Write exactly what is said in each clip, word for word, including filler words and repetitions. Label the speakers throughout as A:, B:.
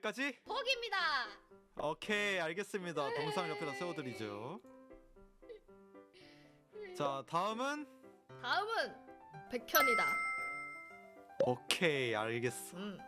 A: 여기까지?
B: 포기입니다.
A: 오케이 알겠습니다. 동상 옆에다 세워드리죠. 자 다음은?
B: 다음은 백현이다.
A: 오케이 알겠어.
B: 음.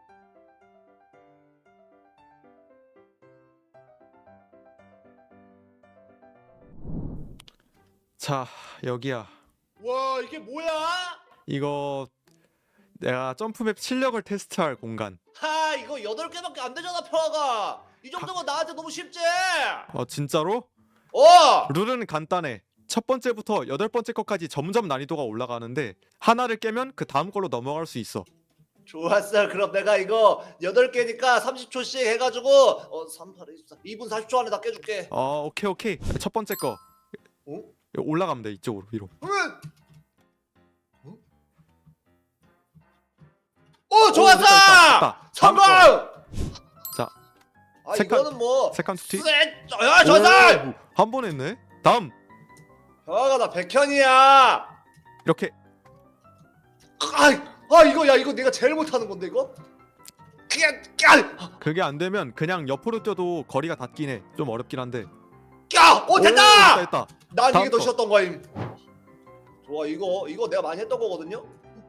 A: 자 여기야.
C: 와 이게 뭐야?
A: 이거 내가 점프맵 실력을 테스트할 공간.
C: 하 이거 여덟 개밖에 안 되잖아 평화가. 이 정도면 나한테 너무 쉽지.
A: 어 진짜로?
C: 어.
A: 룰은 간단해. 첫 번째부터 여덟 번째 것까지 점점 난이도가 올라가는데 하나를 깨면 그 다음 걸로 넘어갈 수 있어.
C: 좋았어. 그럼 내가 이거 여덟 개니까 삼십 초씩 해가지고 어 삼, 팔, 이십사 이 분 사십 초 안에 다 깨줄게.
A: 어 오케이 오케이. 첫 번째 거
C: 어?
A: 올라가면 돼. 이쪽으로 위로.
C: 응. 어? 오 좋았어.
A: 오, 됐다, 됐다, 됐다.
C: 성공.
A: 자
C: 아
A: 색깔-
C: 이거는 뭐
A: 세컨 투티.
C: 쎄. 야 좋았어.
A: 한 번 했네. 다음
C: 평화가 나 백현이야.
A: 이렇게.
C: 아, 아 이거 야 이거 내가 제일 못하는 건데 이거. 그냥 까.
A: 그게 안 되면 그냥 옆으로 뛰어도 거리가 닿긴 해. 좀 어렵긴 한데.
C: 야! 오 됐다!
A: 오, 됐다.
C: 난
A: 다음
C: 이게 더
A: 거.
C: 쉬웠던 거임. 좋아 이거 이거 내가 많이 했던 거거든요.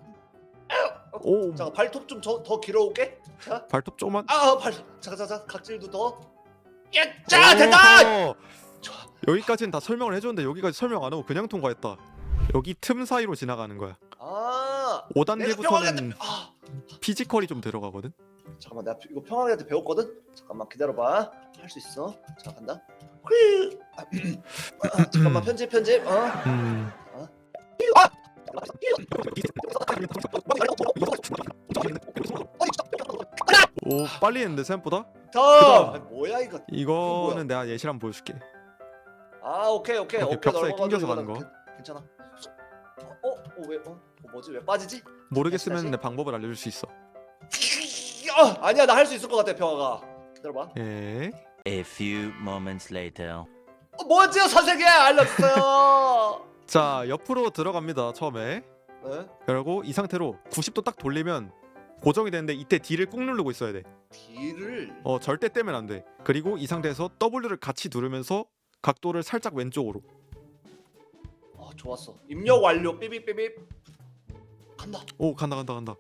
A: 오
C: 자 발톱 좀 더 길어올게. 자,
A: 발톱 조금만.
C: 아발 잠깐 잠깐 각질도 더. 야, 자 됐다.
A: 오, 여기까지는 다 설명을 해줬는데 여기까지 설명 안 하고 그냥 통과했다. 여기 틈 사이로 지나가는 거야.
C: 아.
A: 오
C: 내가
A: 단계부터는
C: 평화한테 아
A: 피지컬이 좀 들어가거든.
C: 잠깐만 내가 이거 평화한테 배웠거든. 잠깐만 기다려봐. 할 수 있어. 자 간다. 휘. 아, 아, 잠깐만 편집 편집. 어.
A: 음.
C: 아!
A: 오 빨리 했는데 생각보다.
C: 더. 아, 뭐야 이거.
A: 이거는
C: 뭐야?
A: 내가 예시를 한번 보여줄게.
C: 아 오케이 오케이
A: 이렇게
C: 어깨
A: 벽사에
C: 넓어가지고
A: 낑겨서 가는
C: 이거는
A: 거.
C: 괜- 괜찮아. 어? 어 왜? 어? 어 뭐지? 왜 빠지지?
A: 모르겠으면
C: 다시,
A: 내 방법을 알려줄 수 있어.
C: 어, 아니야 나 할 수 있을 것 같아 평화가. 기다려봐.
A: 예.
D: A few moments later.
C: 어, 뭐지요 선생님 알렸어요.
A: 자 옆으로 들어갑니다 처음에.
C: 네?
A: 그리고 이 상태로 구십 도 딱 돌리면 고정이 되는데 이때 D를 꾹 누르고 있어야 돼.
C: D를.
A: 어 절대 떼면 안 돼. 그리고 이 상태에서 W를 같이 누르면서 각도를 살짝 왼쪽으로.
C: 어 좋았어. 입력 완료. 삐삐삐삐. 간다.
A: 오 간다 간다 간다.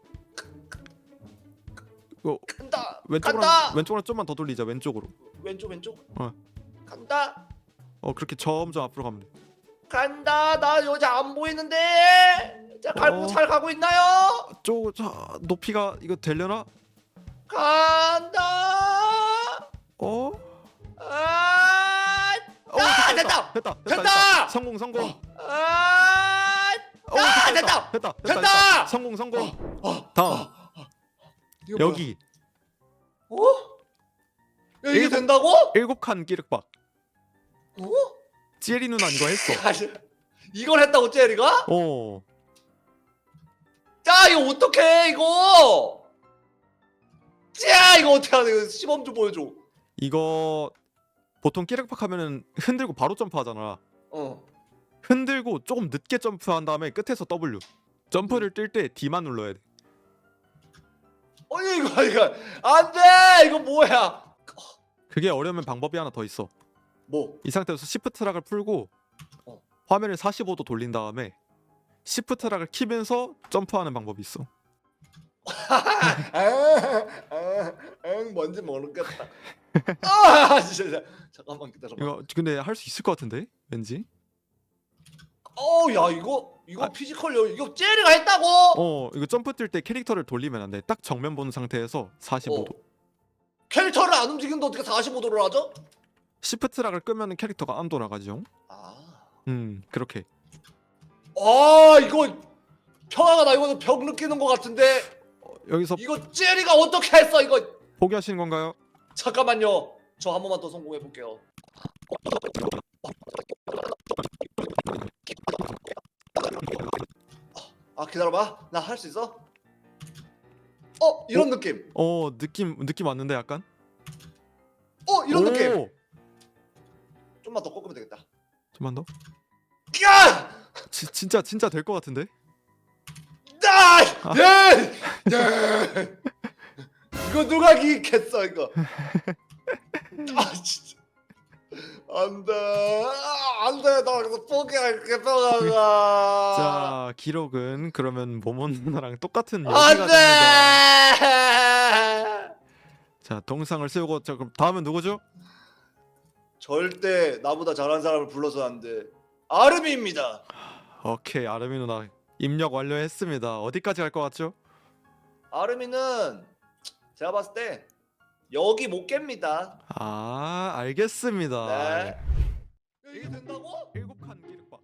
A: 이거
C: 간다.
A: 왼쪽으로
C: 간다.
A: 한, 왼쪽으로 좀만 더 돌리자. 왼쪽으로.
C: 왼쪽 왼쪽.
A: 어.
C: 간다.
A: 어 그렇게 점점 앞으로 가면 돼.
C: 간다. 나 여자 안 보이는데. 자 갈고
A: 어.
C: 잘 가고 있나요?
A: 저, 자 높이가 이거 되려나?
C: 간다.
A: 어?
C: 아.
A: 어
C: 아,
A: 됐다
C: 됐다.
A: 됐다 됐다,
C: 됐다!
A: 됐다. 성공 성공.
C: 아.
A: 어,
C: 아,
A: 됐다
C: 됐다.
A: 됐다 됐다,
C: 됐다!
A: 됐다. 성공 성공.
C: 어,
A: 다음
C: 이거 뭐야?
A: 여기
C: 어? 야, 이게
A: 일곱-
C: 된다고?
A: 일곱 칸 끼륵박.
C: 어?
A: 찌리 누나 이거 했어.
C: 아니, 이걸 했다고 제리가?
A: 어.
C: 자 이거 어떡해 이거? 자 이거 어떻게 하냐 이거 시범 좀 보여줘.
A: 이거 보통 끼륵박 하면은 흔들고 바로 점프하잖아.
C: 어.
A: 흔들고 조금 늦게 점프한 다음에 끝에서 W. 점프를 뛸 때 D만 눌러야 돼.
C: 아니 이거 이거 안돼 이거 뭐야?
A: 그게 어려우면 방법이 하나 더 있어.
C: 뭐?
A: 이 상태에서 시프트 락을 풀고
C: 어.
A: 화면을 사십오 도 돌린 다음에 시프트 락을 키면서 점프하는 방법이 있어.
C: 아아아 뭔지 모르겠다. 아 진짜 잠깐만 기다려봐.
A: 이거 근데 할 수 있을 것 같은데? 왠지?
C: 어야 이거 이거
A: 아.
C: 피지컬 이거 제리가 했다고?
A: 어 이거 점프 뛸 때 캐릭터를 돌리면 안 돼. 딱 정면 보는 상태에서 사십오 도.
C: 어. 캐릭터를 안 움직이는데 어떻게 사십오 도를 하죠?
A: 시프트 락을 끄면 캐릭터가 안 돌아가죠.
C: 아.
A: 음 그렇게.
C: 아 이거 평화가 나 이거 벽 느끼는 것 같은데
A: 어, 여기서
C: 이거 제리가 어떻게 했어 이거?
A: 포기하시는 건가요?
C: 잠깐만요. 저 한 번만 더 성공해 볼게요. 아 기다려봐. 나 할 수 있어? 어 이런 느낌.
A: 어 느낌 느낌 왔는데 약간?
C: 어 이런
A: 오!
C: 느낌. 좀만 더 꺾으면 되겠다.
A: 좀만 더?
C: 야!
A: 지, 진짜 진짜 될 것 같은데?
C: 아! 네! 네! 이거 누가 이기겠어 이거. 아 진짜 안돼 안돼 나 여기서 포기할게 평화가.
A: 자 기록은 그러면 모모 누나랑 똑같은 여기가 됩니다.
C: 안돼.
A: 자 동상을 세우고 자 그럼 다음은 누구죠?
C: 절대 나보다 잘한 사람을 불러서 안 돼. 아름이입니다.
A: 오케이 아르미 누나 입력 완료했습니다. 어디까지 갈 것 같죠?
C: 아름이는 제가 봤을 때 여기 못 깹니다.
A: 아 알겠습니다.
C: 네. 이게 된다고?
A: 일곱 칸 기록박.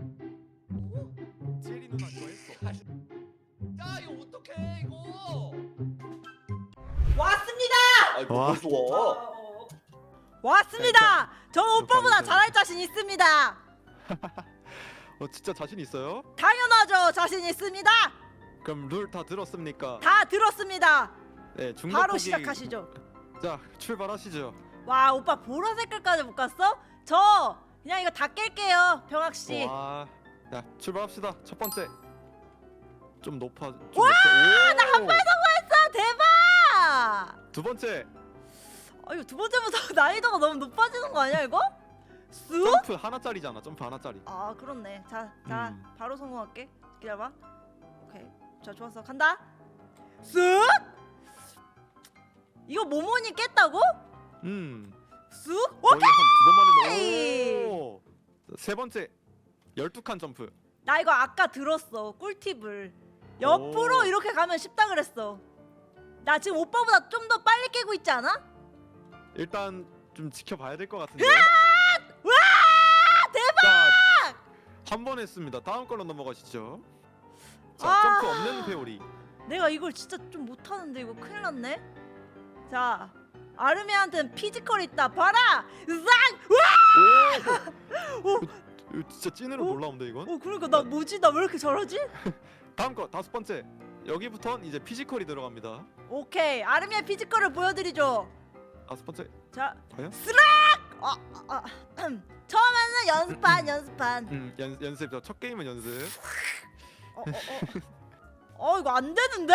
A: 제리 누나 이거 했어.
C: 야 이거 어떡해 이거.
E: 왔습니다.
C: 아이
A: 와.
C: 벌써 와.
E: 왔습니다. 저 오빠보다
A: 있어요.
E: 잘할 자신 있습니다.
A: 어 진짜 자신 있어요?
E: 당연하죠. 자신 있습니다.
A: 그럼 룰 다 들었습니까?
E: 다 들었습니다.
A: 네 중간
E: 바로
A: 포기-
E: 시작하시죠.
A: 자 출발하시죠.
E: 와 오빠 보라 색깔까지 못 갔어? 저 그냥 이거 다 깰게요. 병학 씨.
A: 와, 자 출발합시다. 첫 번째 좀 높아. 와, 나 한 발
E: 아, 대박.
A: 두 번째
E: 아 이거 두 번째부터 난이도가 너무 높아지는 거 아니야 이거? 쑥?
A: 점프 하나짜리잖아. 점프 하나짜리.
E: 아 그렇네. 자, 자
A: 음.
E: 바로 성공할게. 기다려봐. 오케이. 자 좋았어. 간다. 쑥. 이거 모모니 깼다고?
A: 음.
E: 쑥?
A: 거의
E: 오케이.
A: 한두 번만에 오. 세 번째 열두 칸 점프.
E: 나 이거 아까 들었어. 꿀팁을. 옆으로
A: 오.
E: 이렇게 가면 쉽다 그랬어. 나 지금 오빠보다 좀 더 빨리 깨고 있지 않아?
A: 일단 좀 지켜봐야 될 것 같은데.
E: 와 대박!
A: 한 번 했습니다. 다음 걸로 넘어가시죠. 자
E: 아.
A: 점프 없는 회오리.
E: 내가 이걸 진짜 좀 못하는데 이거 큰일 났네. 자 아르미한테는 피지컬 있다. 봐라. 싹!
A: 오.
E: 오.
A: 이거 진짜 찐으로
E: 오.
A: 놀라운데 이건.
E: 어 그러니까 나 뭐지? 나 왜 이렇게 잘하지?
A: 다음 거 다섯 번째. 여기부턴 이제 피지컬이 들어갑니다.
E: 오케이 아르미의 피지컬을 보여드리죠.
A: 다섯 번째.
E: 자
A: 과연?
E: 스락! 아, 아, 아. 처음에는 연습반 연습반.
A: 음 연, 연습. 첫 게임은 연습.
E: 어, 어, 어. 어 이거 안 되는데?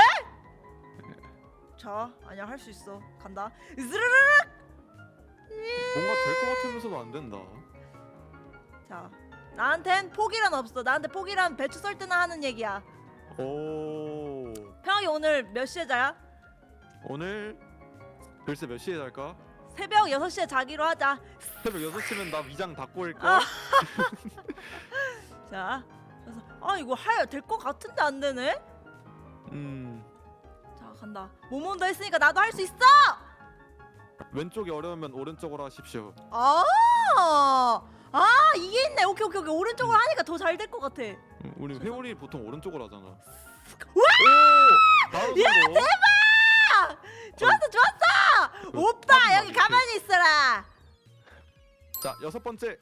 E: 자 아니야 할 수 있어. 간다. 스르르륵.
A: 뭔가 될 것 같으면서도 안 된다.
E: 자 나한텐 포기란 없어. 나한테 포기란 배추 썰 때나 하는 얘기야.
A: 오.
E: 평하기 오늘 몇 시에 자야?
A: 오늘 글쎄 몇 시에 잘까?
E: 새벽 여섯 시에 자기로 하자.
A: 새벽 여섯 시면 나 위장 다 꼬일 걸.
E: 아. 자 그래서 아 이거 하야 될 것 같은데 안 되네.
A: 음.
E: 자 간다. 모몬도 했으니까 나도 할 수 있어.
A: 왼쪽이 어려우면 오른쪽으로 하십시오.
E: 아, 아 이게 있네. 오케이 오케이 오케이. 오른쪽으로 하니까 더 잘 될 것 같아.
A: 음, 우리 회오리 보통 오른쪽으로 하잖아.
E: 와!
A: 오! 바로
E: 야,
A: 성공.
E: 아, 좋았어 좋았어.
A: 그
E: 오빠
A: 탑은
E: 여기
A: 어디
E: 가만히 있어라.
A: 자 여섯 번째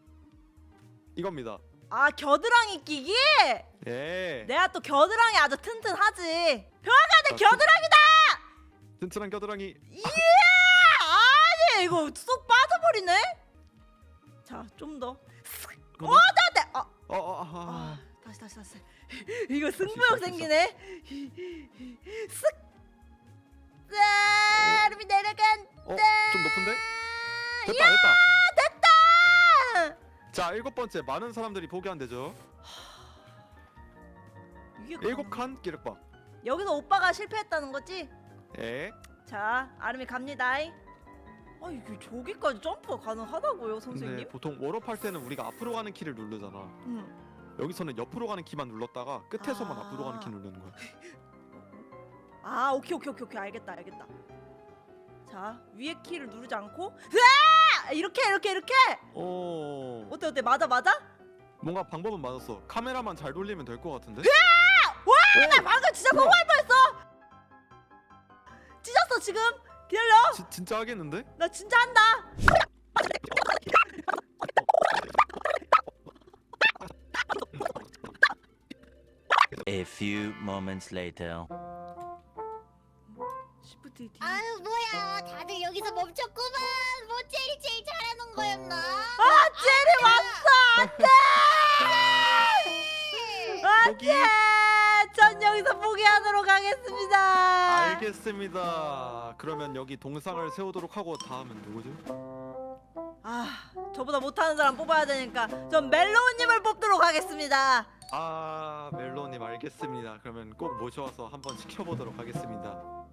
A: 이겁니다.
E: 아 겨드랑이 끼기?
A: 예.
E: 내가 또 겨드랑이 아주 튼튼하지. 병아가 내
A: 아,
E: 겨드랑이다.
A: 튼튼한 겨드랑이.
E: 이야 아니 이거 쏙 빠져버리네. 자 좀 더.
A: 뭐?
E: 어 나한테. 아,
A: 어, 어, 아,
E: 아 다시 다시 다시. 이거 승부욕 생기네. 쓱. 자, 여러분 내려간.
A: 어, 좀 높은데? 됐다, 됐다.
E: 됐다.
A: 자, 일곱 번째 많은 사람들이 포기한대죠.
E: 이게
A: 일곱 칸 기록박.
E: 여기서 오빠가 실패했다는 거지?
A: 예.
E: 자, 아름이 갑니다. 아 이게 저기까지 점프가 가능하다고요,
A: 근데
E: 선생님?
A: 보통 워업 할 때는 우리가 앞으로 가는 키를 누르잖아.
E: 응.
A: 여기서는 옆으로 가는 키만 눌렀다가 끝에서만
E: 아.
A: 앞으로 가는 키 누르는 거야.
E: 아, 오케이 오케이 오케이 오케이 알겠다 알겠다. 자, 위에 키를 누르지 않고, 으아! 이렇게 이렇게 이렇게.
A: 어.
E: 어때 어때 맞아 맞아?
A: 뭔가 방법은 맞았어. 카메라만 잘 돌리면 될 것 같은데?
E: 와, 나 방금 진짜
A: 우와.
E: 성공할 뻔했어. 찢었어 지금. 기다려.
A: 지, 진짜 하겠는데?
E: 나 진짜 한다.
D: A few moments later.
E: 시프트 D.
F: 아유 뭐야 다들 여기서 멈췄구만. 뭐 제일 제일 잘하는 거였나?
E: 아, 젤이 왔어. 안돼.
A: 거기.
E: 안돼. 전 여기서 전 포기하도록 하겠습니다.
A: 알겠습니다. 그러면 여기 동상을 세우도록 하고 다음은 누구죠?
E: 아, 저보다 못하는 사람 뽑아야 되니까 전 멜로우님을 뽑도록 하겠습니다.
A: 아 멜로님 알겠습니다. 그러면 꼭 모셔와서 한번 지켜보도록 하겠습니다.